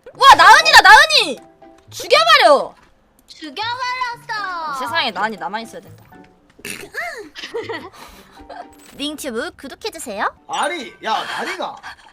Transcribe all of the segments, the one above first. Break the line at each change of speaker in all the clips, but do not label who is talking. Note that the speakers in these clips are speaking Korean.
와 나은이다 나은이! 죽여버려!
죽여버렸어.
세상에 나은이 나만 있어야 된다. 링튜브 구독해주세요.
아니 야 다리가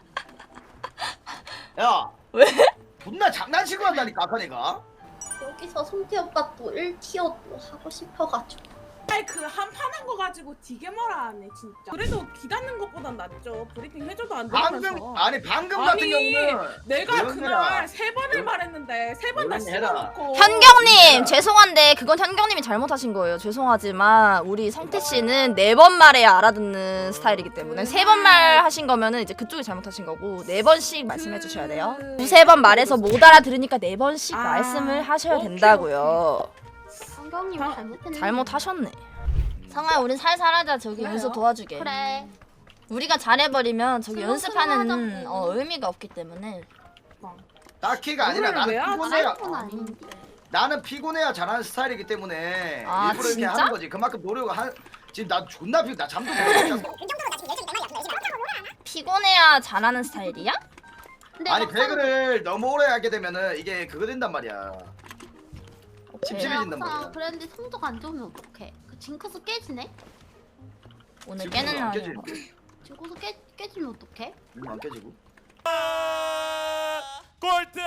야
왜?
존나 장난치고 한다니까 아까 내가.
여기서 성태 오빠 또 1티어 또 하고 싶어가지고.
아이 그 한 판 한 거 가지고 되게 뭐라 하네 진짜. 그래도 기다는 것보단 낫죠. 브리핑 해줘도 안 되면서.
방금 같은 경우는
내가
조용히
그날
해라.
3번을 말했는데 3번 다
조용히 해라.
씹어놓고.
현경님 죄송한데 그건 현경님이 잘못하신 거예요. 죄송하지만 우리 성태씨는 4번 말해야 알아듣는 스타일이기 때문에 3번 말하신 거면은 이제 그쪽이 잘못하신 거고 4번씩 말씀해 주셔야 돼요. 2-3번 말해서 못 알아들으니까 4번씩 말씀을 하셔야
오케이,
된다고요.
성경님 잘못했네.
잘못하셨네. 성아 우린 살살하자. 저기
그래요?
연습 도와주게.
그래.
우리가 잘해버리면 저기 연습하는
하자고.
의미가 없기 때문에.
딱히가 아니라
오늘 왜
나는
하지?
피곤해야
건 아닌데.
나는 피곤해야 잘하는 스타일이기 때문에
아,
일부러 이렇게
진짜?
하는 거지. 그만큼 노력을 한. 지금 나 존나 나 잠도 못 잤어.
피곤해야 잘하는 스타일이야?
근데
아니
막상
배그를 너무 오래 하게 되면은 이게 그거 된단 말이야. 찝찝해진단
막상
말이야.
그랬는데 성적 안 좋으면 어떡해? 그 징크스 깨지네?
오늘
지금
깨는
안
날이야.
깨지.
징크스 깨지면 어떡해?
안 깨지고.
꼴등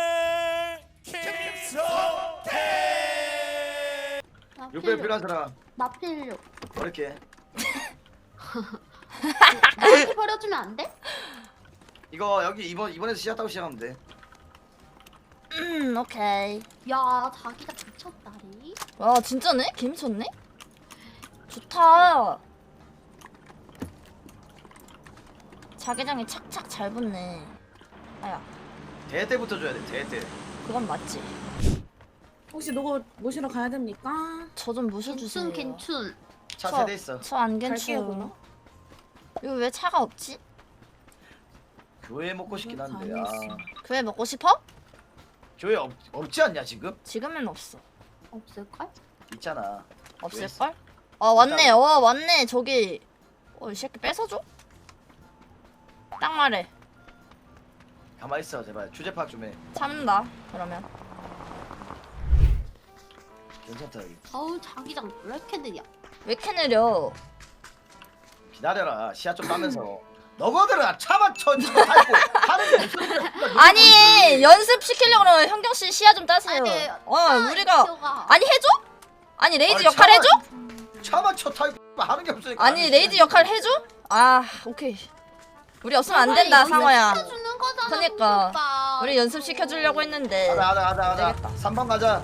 김성태.
나
600 필요한 사람
나 필요.
이렇게.
이렇게 버려주면 안 돼?
이거 여기 이번에서 시작하고 시작하면 돼.
오케이.
야 자기가 미쳤다리.
와 진짜네? 개 미쳤네? 좋다. 자개장이 착착 잘 붙네. 아야
대 때부터 줘야 돼. 대.
그건 맞지.
혹시 누구 모시러 가야 됩니까?
저 좀 모셔주세요.
괜춘.
차 세대 있어.
저안
갈게요, 그럼.
괜찮아. 이거 왜 차가 없지?
교회 먹고 싶긴 한데. 아.
교회 먹고 싶어?
교회 없지 않냐 지금?
지금은 없어.
없을걸?
있잖아.
없을걸? 왔네. 왔네. 저기 이 새끼 뺏어줘? 딱 말해.
가만 있어 제발. 주제 파악 좀 해.
참는다. 그러면
괜찮다 여기.
어우 자기장 왜 이렇게 느려?
왜 이렇게 느려?
기다려라. 시야 좀 따면서. 너거들은 차만 쳐주고 살고 하는 게 무슨 소리야.
아니 연습 시키려고 그러면 현경 씨 시야 좀 따세요. 우리가 아니 해줘? 아니 레이즈
아니,
역할 해줘?
차만 쳐 타고 하는 게 없으니까.
아니 레이즈 역할 해줘? 아 오케이. 우리 없으면 안 된다 상어야.
시켜주는 거잖아.
그니까.
오빠.
우리 연습 시켜주려고 했는데
가자.
되겠다.
3번 가자.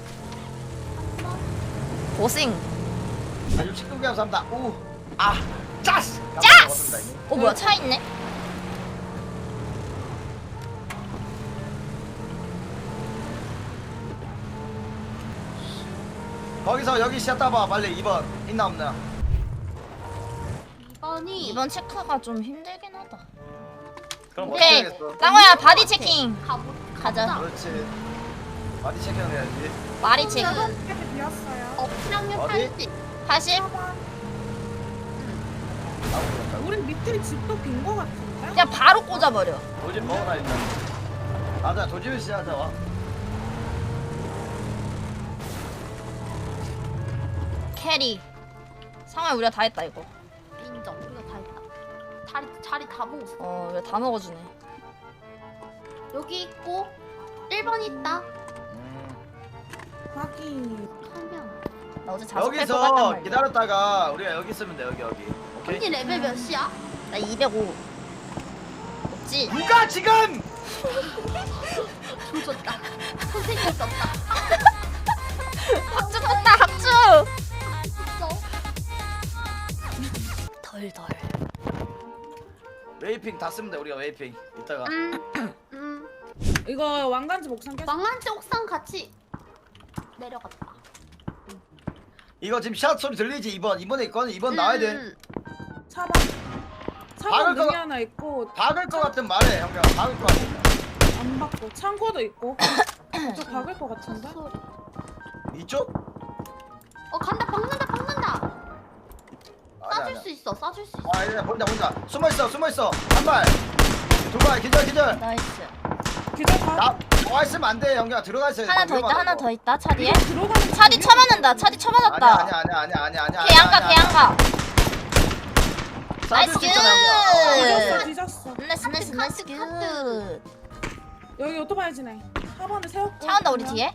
고생.
아주 친구가 삼다. 오. 아. 짜스.
짜스! 뭐야 차 있네?
거기서 여기 시야 따봐 빨리. 2번 있나 없나.
2번이
이번 체크가 좀 힘들긴 하다.
그럼
오케이.
어떻게 하겠어?
쌍호야 바디 체킹. 가자.
그렇지. 바디 체크는 해야지.
바디 체크.
8번까지 비었어요.
업시랑요
어디?
80.
80?
4번.
나오고
우리 밑에 집도 빈 거 같은데?
그냥 바로 꽂아버려.
도집 먹어놔 일단. 가자 도집을 시작하자 와.
캐리. 상호야 우리가 다 했다 이거.
인정. 우리가 다 했다. 자리 다 먹었어.
우리가 다 먹어주네.
여기 있고 1번 있다.
확인.
한명.
나 어제 자습 뺄것 같단
여기서
말이야.
기다렸다가 우리가 여기 있으면 돼 여기. 오케이.
언니 레벨 몇이야?
나 205. 없지?
누가 지금?
조졌다. 선생님 썼다.
학주 떴다 학주!
있어.
덜덜.
웨이핑 다 쓰면 돼 우리가 웨이핑. 이따가.
이거 왕관지 목상 깼어.
망한지 옥상 같이 내려갔다.
이거 지금 샷 소리 들리지? 2번. 이번에 있거든. 2번 나와야 돼.
4번.
박을
4번
거-
능이 하나 있고
박을 거 같은 말해 형님. 박을 거 같은.
안 받고 창고도 있고. 저 박을 거 같은데?
소리.
이쪽?
간다. 박는다.
아니야,
쏴줄
아니야.
수 있어. 쏴줄 수 있어.
아 이제 본다. 숨어 있어. 한 발. 두 발. 기절.
나이스.
기절 봐.
나와 있으면 안돼 영경아 들어가 있어야 돼.
하나 더 있다
위험하다고.
하나 더 있다 차 뒤에.
들어가는
차 뒤 쳐맞는다. 차 뒤 쳐맞았다.
아니야.
개양가 개양가. 나이스 굿.
뒤졌어 뒤졌어.
나이스 굿.
여기 오토바이 지네. 4번에 세웠고.
차 온다 우리 뒤에.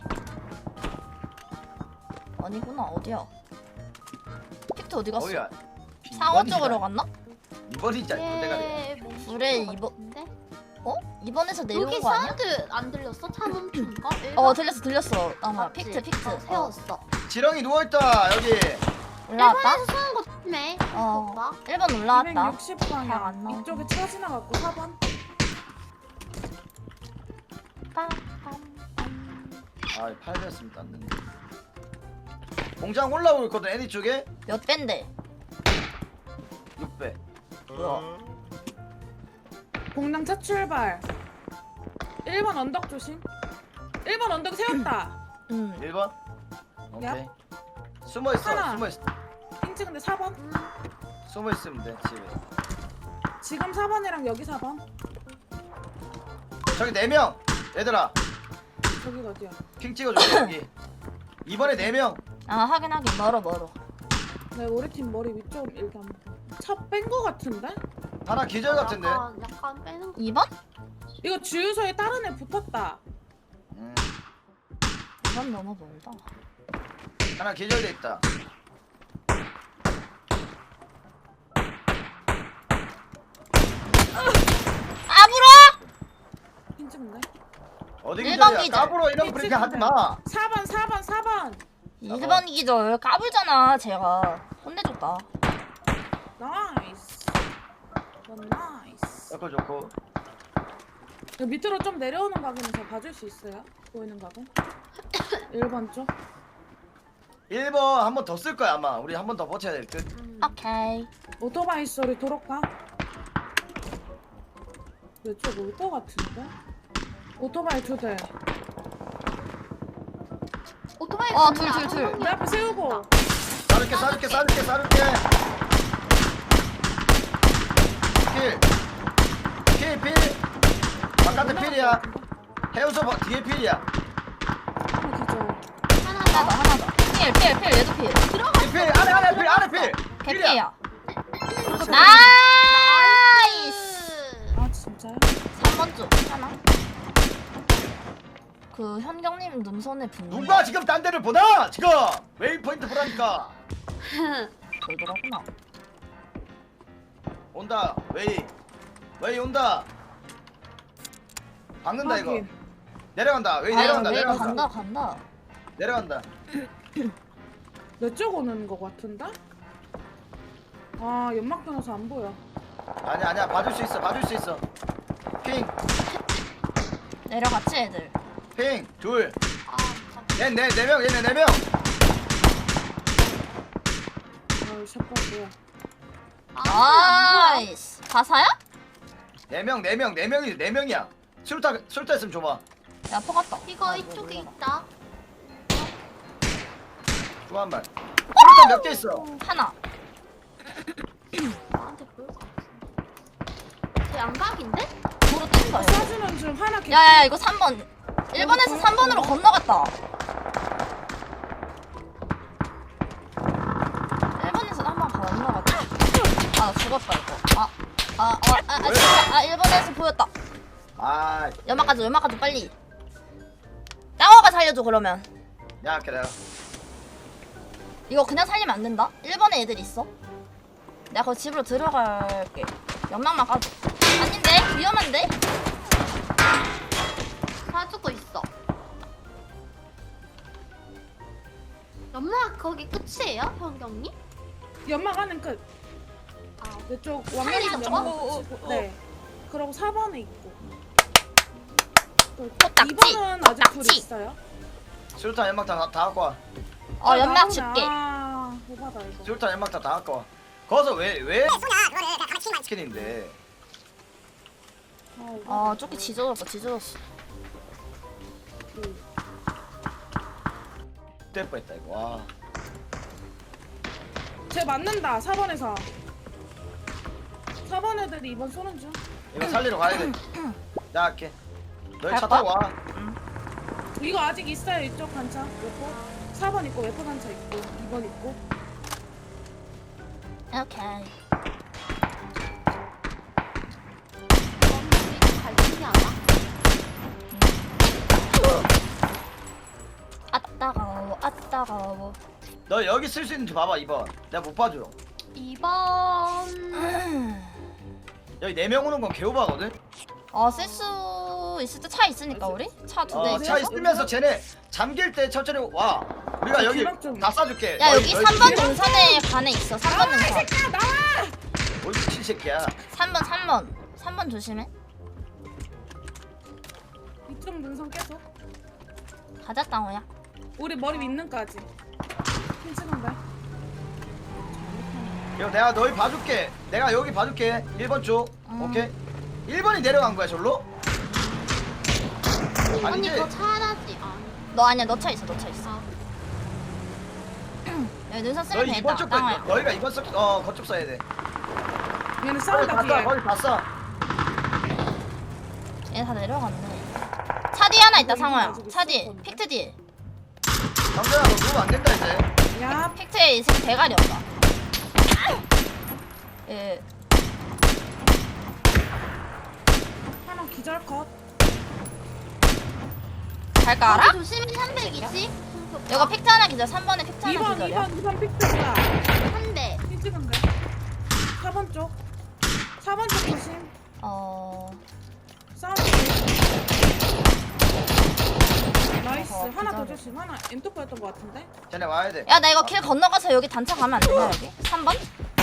아니구나 어디야? 픽트 어디 갔어?
어이야.
상어 쪽으로 갔나?
2번이지 내가
예,
그래, 이번- 어? 이번에서 내려온
여기
거 아니야?
사운드 안 들렸어? 차 멈춘 거?
어 들렸어. 아마
맞지?
픽트.
어, 세웠어.
지렁이 누워있다 여기.
올라왔다.
일본에서 쏘는 거 네.
어.
오빠.
1번 올라왔다.
260방향.
잘안 나오고.
이쪽에 차 지나갔고 4번.
아 8배였으면 땄는데. 공장 올라오고 있거든 애니 쪽에.
몇 밴데?
6배.
뭐야?
공장 차 출발. 1번 언덕 조심. 1번 언덕 세웠다.
1번. 오케이.
야.
숨어있어
하나.
숨어있어.
핑 찍은데 4번.
숨어있으면 돼 집에.
지금 4번이랑 여기 4번.
저기 4명. 얘들아
저기가 어디야?
핑 찍어줘 여기. 이번에 4명.
아 하긴 멀어.
네, 우리 팀 머리 위쪽 일단 차 뺀 거 같은데?
하나 기절 같은데.
약간 빼는 거.
2번?
이거 주유소에 다른 애 붙었다.
2번 너무 멀다.
하나 기절돼 있다.
까불어!
핑 찍네.
어디
일번
기절이야?
기절.
까불어 이런 거 그렇게 하지 마.
4번.
1번 기절 까불잖아 제가. 혼내줬다.
나이스. 나이스.
옆에 좋고.
그 밑으로 좀 내려오는 각인에서 봐줄 수 있어요? 보이는 각은? 1번 쪽.
1번 한 번 더 쓸 거야 아마. 우리 한 번 더 버텨야 될 듯.
오케이.
오토바이 소리 도로가. 이쪽 올 거 같은데? 오토바이 2대.
오토바이.
둘.
내 앞에 세우고.
쏴줄게. 필. 바깥에 필이야. 해우소 뒤에 필이야.
하나 기절.
하나 더. 필 얘도 필.
필 안에 필.
개피야.
그렇지.
나이스.
아 진짜요?
3번 쪽 하나. 그 현경님 눈선에 붙는
누가 지금 딴 데를 보나? 지금 웨이포인트 보라니까.
돌더라구나.
온다. 웨이 온다. 박는다 이거.
확인.
내려간다. 웨이
아유,
내려간다.
왜
내려간다.
간다.
내려간다.
내 쪽 오는 거 같은데? 아 연막 변호사 안 보여.
아니야. 봐줄 수 있어. 핑.
내려갔지 애들.
핑. 둘.
아,
얘네 4명. 얘네 4명.
아유 샷발 뭐야.
나이스. 가사야?
4명이야. 술타 있으면 줘봐.
야 퍼갔다.
이거 이쪽에 있다.
줘 한 발. 술타 몇 개 있어?
하나.
나한테 보일 것 같은데. 제 양각인데?
도로 뛴 거야.
쏴주는 중 하나 개.
야야 이거 3번. 1번에서 3번으로 건너갔다. 1번에서 한 번 건너갔다. 아 나 죽었다 이거. 아 1번에서 보였다.
아.
연막 가져 빨리. 땅어가 살려줘 그러면.
야, 그래.
이거 그냥 살리면 안 된다. 1번에 애들 있어. 내가 그 집으로 들어갈게. 연막만 까줘. 아닌데 위험한데?
사주고 있어. 연막 거기 끝이에요, 현경님?
연막 하는 끝.
아,
내쪽
살리죠?
왕년 연막 붙이고. 네. 그러고 4번에 있고.
코딱지.
2번은 아직 둘
코딱지.
있어요.
술타 연막 다 갖고 와.
연막
나오네.
줄게.
아, 오바다 이거.
술타 연막 다 갖고 와. 거기서 왜 스킨인데.
아 조끼 지져졌어.
될 뻔했다 이거. 와.
쟤 맞는다. 4번에서. 4번 애들이 2번 쏘는 중.
이거 살리러 가야 돼. 야, 할게. 너희 차
갈
타고 와.
이거 아직 있어요 이쪽 단차 웨포 4번 있고 웨포 단차 있고 2번 있고
오케이.
갈등이 안 와?
아따가워 아따가워.
너 여기 쓸 수 있는지 봐봐 2번. 내가 못 봐줘.
2번
여기 4명 오는 건 개오바거든.
쓸 수 있을 때 차 있으니까 우리? 차 두 대
차
있어서?
있으면서 쟤네 잠길 때 천천히 와. 우리가 여기
기록 좀.
다 쏴줄게.
야 여기
너희
3번 능선에 반에 있어. 3번 능선.
새끼야 나와!
어이 미친 새끼야.
3번 조심해.
이쪽 능선 계속
가자 땅호야.
우리 머리 밑는까지 핀치던데
야 내가 너희 봐줄게. 내가 여기 봐줄게. 1번 쪽. 오케이. 1번이 내려간 거야 절로?
언니
아니지?
그거 차라지
너 아니야 너 차 있어 너 차 있어.
아.
여기 능선 쓰면
너희
되겠다
2번 쪽
땅호야.
너희가 2번 거쪽 써야 돼.
얘는
거기
싸운다
다 쏴.
뒤에
거기 다 쏴.
얘 다 내려갔네. 차 뒤에 하나 있다
이거
상호야.
가지고
차 뒤에
있었던데?
픽트 뒤에.
강재야 너 누우면 안 된다 이제.
야
픽트에 있을 대가리 없다. 예.
하나 기절 컷
갈까 알아?
조심히 320
이거 픽트 하나 기절. 3번에 픽트 하나
2번
기절이야.
2번 픽트야
한대
핀치던데 4번 쪽 4번 쪽 조심 싸움 나이스 하나 더
기절해.
조심 하나 엔토프였던 것 같은데
쟤네 와야 돼.
야 나 이거 길 건너가서 여기 단차 가면 안 되냐 여기? 3번?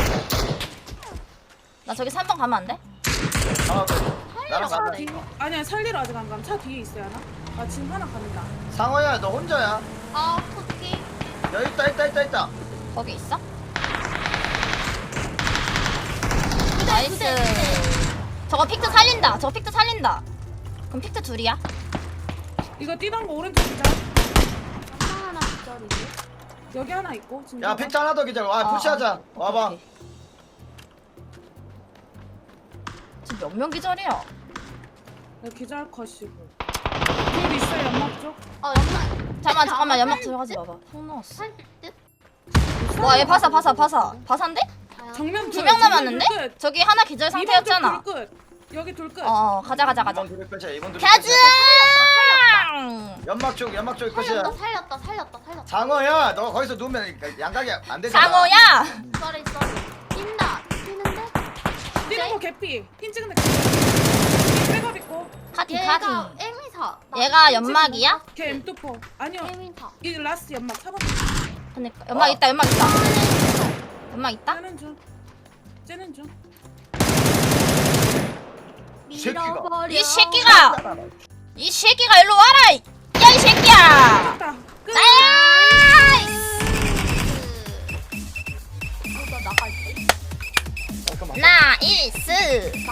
나 저기 3번 가면 안 돼?
하나 더. 나랑
차
가자.
뒤-
아니야 살리러 아직 안 감. 차 뒤에 있어야 하나? 아 지금 하나 간다.
상호야 너 혼자야.
아 토끼
여기 있다.
거기 있어? 나이스. 저거 픽트 살린다. 저거 픽트 살린다. 그럼 픽트 둘이야?
이거 뛰던 거 오른쪽 기자.
하나 기절이지
여기 하나 있고 지금.
야 픽트 하나 더 기다려. 와 푸시하자.
오케이,
와봐.
오케이. 지금 몇 명 기절이야?
여기 기절 컷이고. 둘 있어요 연막 쪽.
연말
잠깐만 연막 들어가지 마봐. 속 넣었어.
살듯
와 얘 바사인데?
정면
두 명 남았는데?
끝.
저기 하나 기절
이번
상태였잖아.
쪽 끝. 여기 둘 끝.
가자.
2번 둘 끝이야. 2번 둘
가자!
끝이야. 연막 쪽 끝이야.
살렸다
장어야 너 거기서 누우면 양각이 안 되잖아.
장어야!
썰이 뛴다 튀는데
뛰는 거 개피. 핀 찍은 데 개피. 백업 있고.
카팅.
얘가 에미사
얘가 연막이야?
걔 M24. 아니요.
에미사
이 라스트 연막 4번.
그니까 연막 있다. 연막 있다.
쟤는 중. 쟤는 중.
새끼가.
이 새끼가 일로 와라! 야 이 새끼야!
됐다. 끝.
나이스! 나이스!